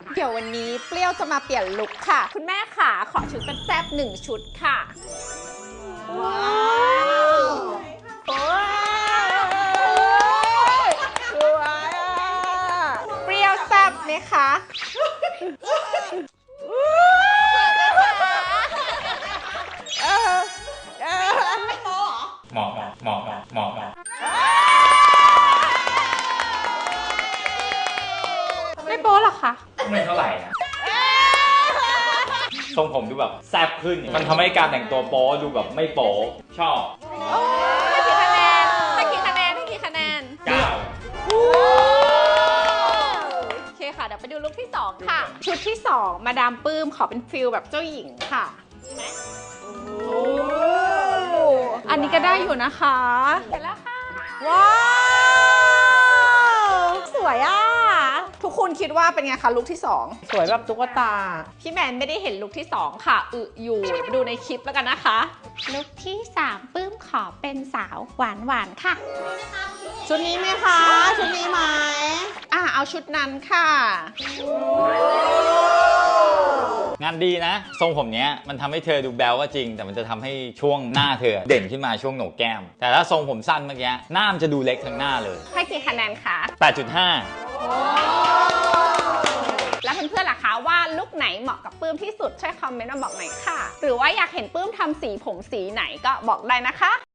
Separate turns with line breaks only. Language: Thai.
เดี๋ยววันนี้เปรี้ยวจะมาเปลี่ยนลุคค่ะคุณแม่ค่ะขอชุดแซ่บๆ1 ชุดค่ะว้าวโอ้ยสวยอ่ะเปรี้ยวแซ่บไหมคะ
เหมาะ
ไม่โป๊หรอคะ
ไม่เท่าไหร่นะทรงผมดูแบบแซ่บขึ้นมันทำให้การแต่งตัวโป๊ดูแบบไม่โป๊ชอบ
ให้กี่คะแนนให้กี่คะแนนให้กี่คะแนน
9
โอเคค่ะเดี๋ยวไปดูลุคที่2ค่ะชุดที่2มาดามปื้มขอเป็นฟิลแบบเจ้าหญิงค่ะอันนี้ก็ได้อยู่นะคะเสร็จแล้วค่ะว้าวสวยอ่ะทุกคนคิดว่าเป็นไงคะลุคที่2
สวยแบบตุ๊กตา
พี่แมนไม่ได้เห็นลุคที่2ค่ะอยู่ไปดูในคลิปแล้วกันนะคะลุคที่3ปื้มขอเป็นสาวหวานค่ะ
ชุดนี้ไหมคะชุดนี้ไหม
เอาชุดนั้นค่ะ
งานดีนะทรงผมเนี้ยมันทำให้เธอดูแบลก็จริงแต่มันจะทำให้ช่วงหน้าเธอเด่นขึ้นมาช่วงโหนกแก้มแต่ถ้าทรงผมสั้นเมื่อกี้หน้ามันจะดูเล็กทั้งหน้าเลย
ให้กี่คะแนนคะ
8.5
แล้วเพื่อนๆล่ะคะว่าลุคไหนเหมาะกับปื้มที่สุดช่วยคอมเมนต์มาบอกหน่อยค่ะหรือว่าอยากเห็นปื้มทำสีผมสีไหนก็บอกได้นะคะ